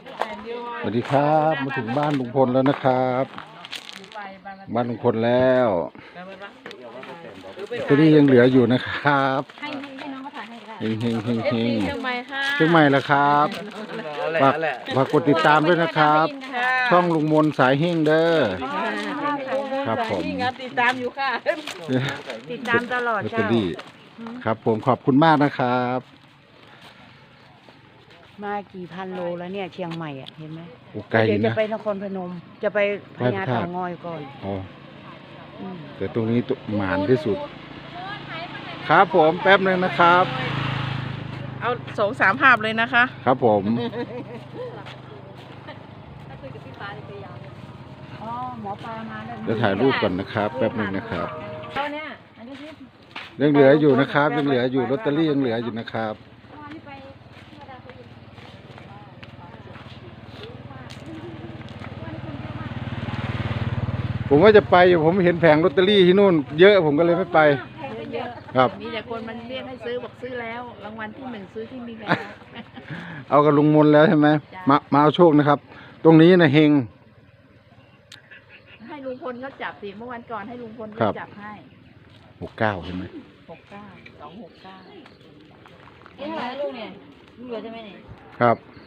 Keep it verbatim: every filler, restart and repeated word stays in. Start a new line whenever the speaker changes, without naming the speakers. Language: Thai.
สวัสดีครับมาถึงบ้านลุงพลแล้วนะครับบ้านลุงพลแล้วตัวนี้ยังเหลืออยู่นะครับ
ให้ให้น้องเขาถ่ายให้ได้
เฮงเฮงเฮงเฮง
เชียงใหม่ค่ะ
เชียงใหม่แล้วครับฝากฝากกดติดตามด้วยนะครับ ช่องลุงมนสายเฮงเด้อครับผม
ติดตามอยู่ค่ะ ติดตามตลอด
ลอตเตอ
เจ้า
รี่ครับผมขอบคุณมากนะครับ
มากี่พันโลแล้วเนี่ยเชียงใหม่อ่ะเห็นไหม
โอ้ไกล
เดี๋ยวจะ
นะ
ไปนครพนม จะไปพญาเต่างอยก่อน
อ๋อ
อืม
แต่ตรงนี้ตุหมานที่สุด ครับผมแป๊บหนึงนะครับ
เอาสองสามภาพเลยนะคะ
ครับผม
อ๋อหมอปลามาแล้ว
เดี๋ยวถ่ายรูปก่อนนะครับ แป๊บหนึงนะครับ
เอาเนี่ยอันนี้ที่
ยังเหลืออยู่นะครับ ยังเหลืออยู่ลอตเตอรี่ยังเหลืออยู่นะครับ ผมว่าจะไปอยู่ผมเห็นแผงลอตเตอรี่ที่นู่นเยอะผมก็เลยไม่ไป ครับ
มีแต่คนมันเรียกให้ซื้อบอกซื้อแล้วรางวัลที่หนึ่งซื้อที่นี่แล้ว
เอากับลุงมนแล้วใช่ไหม
จ้ะ
มามาเอาโชคนะครับ ตรงนี้นะเฮง
ให้ลุงพลเขาจับสิเมื่อวันก่อนให้ลุงพล
ครั
เขา
บ
จับให้
หกเก้าใช่ไหม
หกเก้าสองหกเก้านี่เท่าไหร่ลูกเนี่ยลูกเหลือใช่ไหมเนี่ย
ครับ
อ